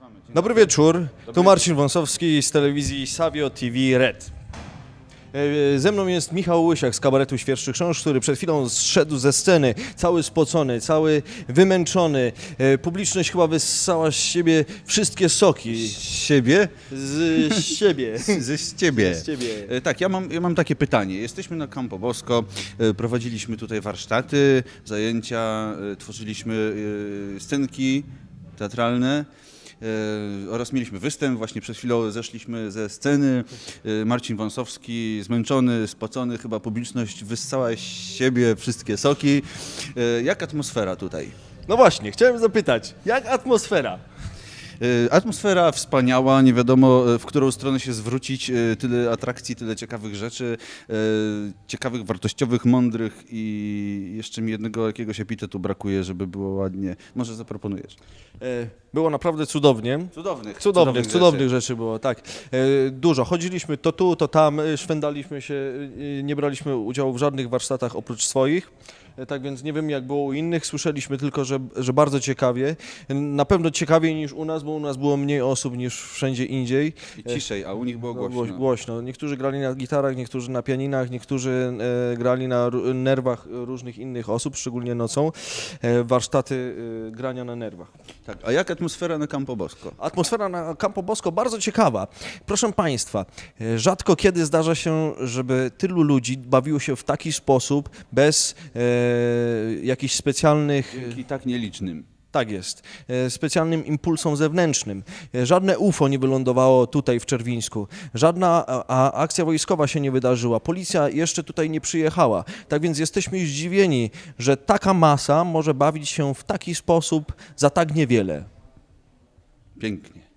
Dobry wieczór, tu Marcin Wąsowski z telewizji Savio TV Red. Ze mną jest Michał Łysiak z kabaretu Świerszczy Chrząszcz, który przed chwilą zszedł ze sceny, cały spocony, cały wymęczony. Publiczność chyba wyssała z siebie wszystkie soki. Z siebie? Z siebie. Z ciebie. Z ciebie. Tak, ja mam takie pytanie. Jesteśmy na Campo Bosco, prowadziliśmy tutaj warsztaty, zajęcia, tworzyliśmy scenki teatralne. Oraz mieliśmy występ, właśnie przed chwilą zeszliśmy ze sceny. Marcin Wąsowski, zmęczony, spocony, chyba publiczność wyssała z siebie wszystkie soki. Jak atmosfera tutaj? No właśnie, chciałem zapytać, jak atmosfera? Atmosfera wspaniała, nie wiadomo w którą stronę się zwrócić, tyle atrakcji, tyle ciekawych rzeczy, ciekawych, wartościowych, mądrych i jeszcze mi jednego jakiegoś epitetu brakuje, żeby było ładnie. Może zaproponujesz? Było naprawdę cudownie. Cudownych rzeczy było, tak. Dużo. Chodziliśmy to tu, to tam, szwendaliśmy się, nie braliśmy udziału w żadnych warsztatach oprócz swoich. Tak więc nie wiem, jak było u innych, słyszeliśmy tylko, że bardzo ciekawie. Na pewno ciekawiej niż u nas, bo u nas było mniej osób niż wszędzie indziej. I ciszej, a u nich było głośno. Głośno. Niektórzy grali na gitarach, niektórzy na pianinach, niektórzy grali na nerwach różnych innych osób, szczególnie nocą. Warsztaty grania na nerwach. Tak, a jak atmosfera na Campo Bosco? Atmosfera na Campo Bosco bardzo ciekawa. Proszę Państwa, rzadko kiedy zdarza się, żeby tylu ludzi bawiło się w taki sposób, bez jakichś specjalnych... I tak nielicznym. Tak jest. Specjalnym impulsom zewnętrznym. Żadne UFO nie wylądowało tutaj w Czerwińsku. Żadna akcja wojskowa się nie wydarzyła. Policja jeszcze tutaj nie przyjechała. Tak więc jesteśmy zdziwieni, że taka masa może bawić się w taki sposób za tak niewiele. Pięknie.